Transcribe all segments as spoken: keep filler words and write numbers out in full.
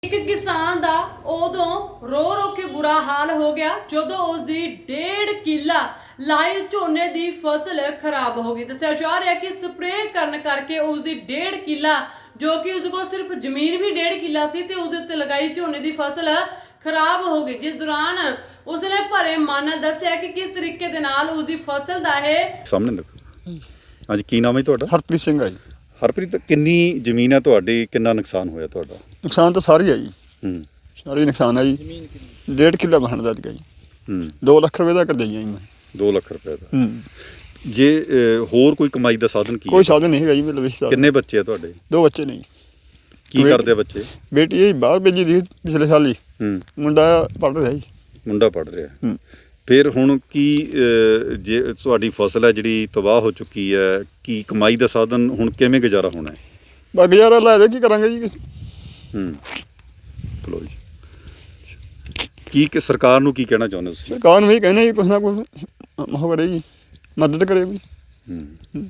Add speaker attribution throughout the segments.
Speaker 1: एक किसान दा उदों रो रो के बुरा हाल हो गया जदों उसकी डेढ़ किला लाई झोने की फसल खराब हो गई। दस्सिया जा रहा है कि स्प्रे करने करके उसकी डेढ़ किला जो कि उसके कोल सिर्फ जमीन भी डेढ़ किला सी ते उसदे उत्ते लगाई झोने की फसल खराब हो गई, जिस दौरान उसने भरे मन दस्सिया कि किस तरीके दे नाल उसकी फसल दा है
Speaker 2: सामने रखो। ਹਾਂਜੀ ਕੀ ਨਾਮ ਹੈ ਤੁਹਾਡਾ?
Speaker 3: ਹਰਪ੍ਰੀਤ ਸਿੰਘ ਆ ਜੀ।
Speaker 2: ਹਰਪ੍ਰੀਤ, ਕਿੰਨੀ ਜ਼ਮੀਨ ਹੈ ਤੁਹਾਡੀ? ਕਿੰਨਾ ਨੁਕਸਾਨ ਹੋਇਆ ਤੁਹਾਡਾ?
Speaker 3: ਨੁਕਸਾਨ ਤਾਂ ਸਾਰੀ ਆ ਜੀ,
Speaker 2: ਹੂੰ
Speaker 3: ਸਾਰੀ ਨੁਕਸਾਨ ਆ ਜੀ। ਡੇਢ ਕਿੱਲਾ ਬਣਦਾ ਸੀਗਾ ਜੀ।
Speaker 2: ਹੂੰ
Speaker 3: ਦੋ ਲੱਖ ਰੁਪਏ ਦਾ ਕਰਜ਼ਾ ਜੀ ਮੈਂ।
Speaker 2: ਦੋ ਲੱਖ ਰੁਪਏ ਦਾ।
Speaker 3: ਹੂੰ
Speaker 2: ਜੇ ਅ, ਹੋਰ ਕੋਈ ਕਮਾਈ ਦਾ ਸਾਧਨ ਕੀ
Speaker 3: ਕੋਈ
Speaker 2: ਹੈ?
Speaker 3: ਸਾਧਨ ਨਹੀਂ ਹੈਗਾ ਜੀ ਮੇਰੇ ਵਿੱਚ।
Speaker 2: ਕਿੰਨੇ ਬੱਚੇ ਆ ਤੁਹਾਡੇ?
Speaker 3: ਦੋ ਬੱਚੇ ਨੇ ਜੀ।
Speaker 2: ਕੀ
Speaker 3: ਬੇ-
Speaker 2: ਕਰਦੇ ਆ ਬੱਚੇ?
Speaker 3: ਬੇਟੀ ਇਹ ਬਾਹਰ ਭੇਜੀ ਦੀ ਪਿਛਲੇ ਸਾਲ ਹੀ,
Speaker 2: ਹੂੰ
Speaker 3: ਮੁੰਡਾ ਪੜ੍ਹ ਰਿਹਾ ਜੀ।
Speaker 2: ਮੁੰਡਾ ਪੜ ਰਿਹਾ।
Speaker 3: ਹੂੰ
Speaker 2: ਫਿਰ ਹੁਣ ਕੀ ਅ, ਜੇ ਤੁਹਾਡੀ ਫਸਲ ਹੈ ਜਿਹੜੀ ਤਬਾਹ ਹੋ ਚੁੱਕੀ ਹੈ, ਕੀ ਕਮਾਈ ਦਾ ਸਾਧਨ ਹੁਣ ਕਿਵੇਂ ਗੁਜ਼ਾਰਾ ਹੋਣਾ ਹੈ?
Speaker 3: ਬਾ ਗੁਜ਼ਾਰਾ ਲੈ ਦੇ ਕੀ ਕਰਾਂਗੇ ਜੀ।
Speaker 2: ਹੂੰ ਚਲੋ ਜੀ, ਕੀ ਕਿ ਸਰਕਾਰ ਨੂੰ ਕੀ ਕਹਿਣਾ ਚਾਹੁੰਦੇ ਤੁਸੀਂ?
Speaker 3: ਸਰਕਾਰ ਨੂੰ ਇਹ ਕਹਿੰਦੇ ਜੀ ਕੁਛ ਨਾ ਕੁਛ ਉਹ ਕਰੇ ਜੀ, ਮਦਦ ਕਰੇ ਵੀ।
Speaker 2: ਹੂੰ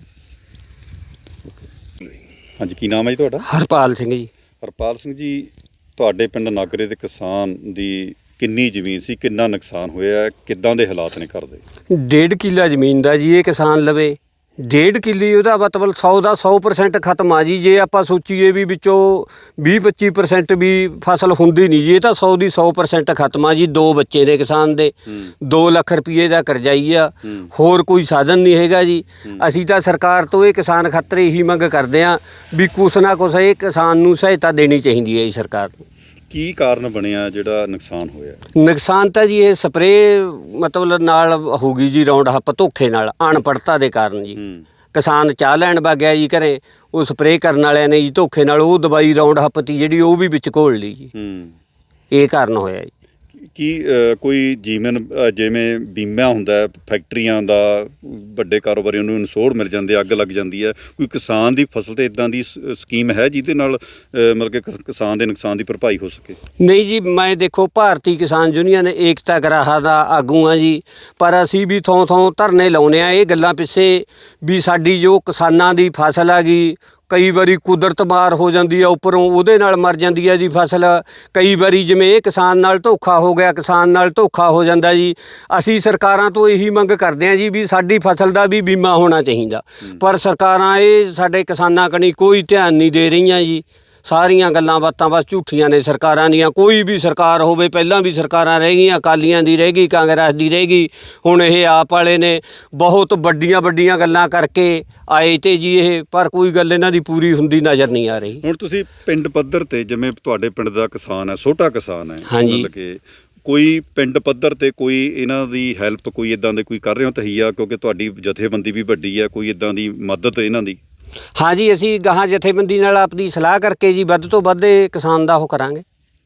Speaker 2: ਹਾਂਜੀ, ਕੀ ਨਾਮ ਹੈ ਜੀ ਤੁਹਾਡਾ?
Speaker 4: ਹਰਪਾਲ ਸਿੰਘ ਜੀ।
Speaker 2: ਹਰਪਾਲ ਸਿੰਘ ਜੀ, ਤੁਹਾਡੇ ਪਿੰਡ ਨਾਗਰੇ ਦੇ ਕਿਸਾਨ ਦੀ ਕਿੰਨੀ ਜ਼ਮੀਨ ਸੀ, ਕਿੰਨਾ ਨੁਕਸਾਨ ਹੋਇਆ, ਕਿੱਦਾਂ ਦੇ ਹਾਲਾਤ ਨੇ ਘਰ ਦੇ?
Speaker 4: ਡੇਢ ਕਿੱਲਾ ਜ਼ਮੀਨ ਦਾ ਜੀ ਇਹ ਕਿਸਾਨ ਲਵੇ। ਡੇਢ ਕਿੱਲੀ ਉਹਦਾ ਮਤਲਬ ਸੌ ਦਾ ਸੌ ਪਰਸੈਂਟ ਖਤਮ ਆ ਜੀ। ਜੇ ਆਪਾਂ ਸੋਚੀਏ ਵੀ ਵਿੱਚੋਂ ਵੀਹ ਪੱਚੀ ਪਰਸੈਂਟ ਵੀ ਫਸਲ ਹੁੰਦੀ ਨਹੀਂ ਜੀ, ਇਹ ਤਾਂ ਸੌ ਦੀ ਸੌ ਪਰਸੈਂਟ ਖਤਮ ਆ ਜੀ। ਦੋ ਬੱਚੇ ਨੇ ਕਿਸਾਨ ਦੇ, ਦੋ ਲੱਖ ਰੁਪਏ ਦਾ ਕਰਜ਼ਾਈ ਆ, ਹੋਰ ਕੋਈ ਸਾਧਨ ਨਹੀਂ ਹੈਗਾ ਜੀ। ਅਸੀਂ ਤਾਂ ਸਰਕਾਰ ਤੋਂ ਇਹ ਕਿਸਾਨ ਖਾਤਰ ਇਹੀ ਮੰਗ ਕਰਦੇ ਹਾਂ ਵੀ ਕੁਛ ਨਾ ਕੁਛ ਇਹ ਕਿਸਾਨ ਨੂੰ ਸਹਾਇਤਾ ਦੇਣੀ ਚਾਹੀਦੀ ਹੈ ਜੀ ਸਰਕਾਰ ਨੂੰ।
Speaker 2: ਕੀ ਕਾਰਨ ਬਣਿਆ ਜਿਹੜਾ ਨੁਕਸਾਨ ਹੋਇਆ?
Speaker 4: ਨੁਕਸਾਨ ਤਾਂ ਜੀ ਇਹ ਸਪਰੇਅ ਮਤਲਬ ਨਾਲ ਹੋ ਗਈ ਜੀ, ਰਾਉਂਡ ਹੱਪ ਧੋਖੇ ਨਾਲ, ਅਣਪੜਤਾ ਦੇ ਕਾਰਨ ਜੀ।
Speaker 2: ਹੂੰ
Speaker 4: ਕਿਸਾਨ ਚਾਹ ਲੈਣ ਵਗ ਗਿਆ ਜੀ ਘਰੇ, ਉਹ ਸਪਰੇਅ ਕਰਨ ਵਾਲਿਆਂ ਨੇ ਜੀ ਧੋਖੇ ਨਾਲ ਉਹ ਦਵਾਈ ਰਾਉਂਡ ਹੱਪ ਤੀ ਜਿਹੜੀ ਉਹ ਵੀ ਵਿੱਚ ਘੋਲ ਲਈ ਜੀ।
Speaker 2: ਹੂੰ
Speaker 4: ਇਹ ਕਾਰਨ ਹੋਇਆ ਜੀ।
Speaker 2: ਕੀ ਅ, ਕੋਈ ਜੀਵਨ ਅ, ਜਿਵੇਂ ਬੀਮਾ ਹੁੰਦਾ ਹੈ ਫੈਕਟਰੀਆਂ ਦਾ, ਵੱਡੇ ਕਾਰੋਬਾਰੀਆਂ ਨੂੰ ਇਨਸ਼ੋਰ ਮਿਲ ਜਾਂਦੇ, ਅੱਗ ਲੱਗ ਜਾਂਦੀ ਹੈ, ਕੋਈ ਕਿਸਾਨ ਦੀ ਫਸਲ ਤੇ ਇਦਾਂ ਦੀ ਸ- ਸਕੀਮ ਹੈ ਜਿਹਦੇ ਨਾਲ ਅ, ਮਤਲਬ ਕਿ ਕਿਸ- ਕਿਸਾਨ ਦੇ ਨੁਕਸਾਨ ਦੀ ਭਰਪਾਈ ਹੋ ਸਕੇ?
Speaker 4: ਨਹੀਂ ਜੀ, ਮੈਂ ਦੇਖੋ ਭਾਰਤੀ ਕਿਸਾਨ ਯੂਨੀਅਨ ਏਕਤਾ ਗਰਾਹਾ ਦਾ ਆਗੂ ਆ ਜੀ, ਪਰ ਅਸੀਂ ਵੀ ਥੋਂ ਥੋਂ ਧਰਨੇ ਲਾਉਂਦੇ ਆ ਇਹ ਗੱਲਾਂ ਪਿੱਛੇ ਵੀ ਸਾਡੀ ਜੋ ਕਿਸਾਨਾਂ ਦੀ ਫਸਲ ਆ ਗਈ, ਕਈ ਵਾਰੀ ਕੁਦਰਤ ਮਾਰ ਹੋ ਜਾਂਦੀ ਆ ਉੱਪਰੋਂ, ਉਹਦੇ ਨਾਲ ਮਰ ਜਾਂਦੀ ਆ ਜੀ ਫਸਲ। ਕਈ ਵਾਰੀ ਜਿਵੇਂ ਇਹ ਕਿਸਾਨ ਨਾਲ ਧੋਖਾ ਹੋ ਗਿਆ, ਕਿਸਾਨ ਨਾਲ ਧੋਖਾ ਹੋ ਜਾਂਦਾ ਜੀ। ਅਸੀਂ ਸਰਕਾਰਾਂ ਤੋਂ ਇਹੀ ਮੰਗ ਕਰਦੇ ਹਾਂ ਜੀ ਵੀ ਸਾਡੀ ਫਸਲ ਦਾ ਵੀ ਬੀਮਾ ਹੋਣਾ ਚਾਹੀਦਾ, ਪਰ ਸਰਕਾਰਾਂ ਇਹ ਸਾਡੇ ਕਿਸਾਨਾਂ ਕਣੀ ਕੋਈ ਧਿਆਨ ਨਹੀਂ ਦੇ ਰਹੀਆਂ ਜੀ। ਸਾਰੀਆਂ ਗੱਲਾਂ ਬਾਤਾਂ ਬਸ ਝੂਠੀਆਂ ਨੇ ਸਰਕਾਰਾਂ ਦੀਆਂ। ਕੋਈ ਵੀ ਸਰਕਾਰ ਹੋਵੇ, ਪਹਿਲਾਂ ਵੀ ਸਰਕਾਰਾਂ ਰਹਿ ਗਈਆਂ, ਅਕਾਲੀਆਂ ਦੀ ਰਹਿ ਗਈ, ਕਾਂਗਰਸ ਦੀ ਰਹਿ ਗਈ, ਹੁਣ ਇਹ ਆਪ ਵਾਲੇ ਨੇ ਬਹੁਤ ਵੱਡੀਆਂ ਵੱਡੀਆਂ ਗੱਲਾਂ ਕਰਕੇ ਆਏ ਤੇ ਜੀ ਇਹ, ਪਰ ਕੋਈ ਗੱਲ ਇਹਨਾਂ ਦੀ ਪੂਰੀ ਹੁੰਦੀ ਨਜ਼ਰ ਨਹੀਂ ਆ ਰਹੀ।
Speaker 2: ਹੁਣ ਤੁਸੀਂ ਪਿੰਡ ਪੱਧਰ ਤੇ, ਜਿਵੇਂ ਤੁਹਾਡੇ ਪਿੰਡ ਦਾ ਕਿਸਾਨ ਹੈ, ਛੋਟਾ ਕਿਸਾਨ ਹੈ,
Speaker 4: ਹਾਂਜੀ।
Speaker 2: ਮਤਲਬ ਕਿ ਕੋਈ ਪਿੰਡ ਪੱਧਰ ਤੇ ਕੋਈ ਇਹਨਾਂ ਦੀ ਹੈਲਪ, ਕੋਈ ਇਦਾਂ ਦੇ ਕੋਈ ਕਰ ਰਹੇ ਹੋ ਤਹੀਆ? ਕਿਉਂਕਿ ਤੁਹਾਡੀ ਜਥੇਬੰਦੀ ਵੀ ਵੱਡੀ ਹੈ, ਕੋਈ ਇਦਾਂ ਦੀ ਮਦਦ ਇਹਨਾਂ ਦੀ?
Speaker 4: ਹਾਂ ਜੀ, ਅਸੀਂ ਗਾਹਾਂ ਜਥੇਬੰਦੀ ਨਾਲ ਆਪਣੀ ਸਲਾਹ ਕਰਕੇ ਜੀ ਵੱਧ ਤੋਂ ਵੱਧ ਇਹ ਕਿਸਾਨ ਦਾ ਉਹ ਕਰਾਂਗੇ।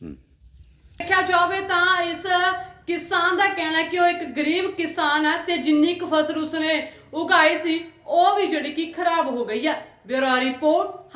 Speaker 1: देखा जाए तो इस किसान का कहना है कि वो एक गरीब किसान है ते जिन्नी क फसल उसने उगाई सी वो भी जिहड़ी कि खराब हो गई है। Bureau report.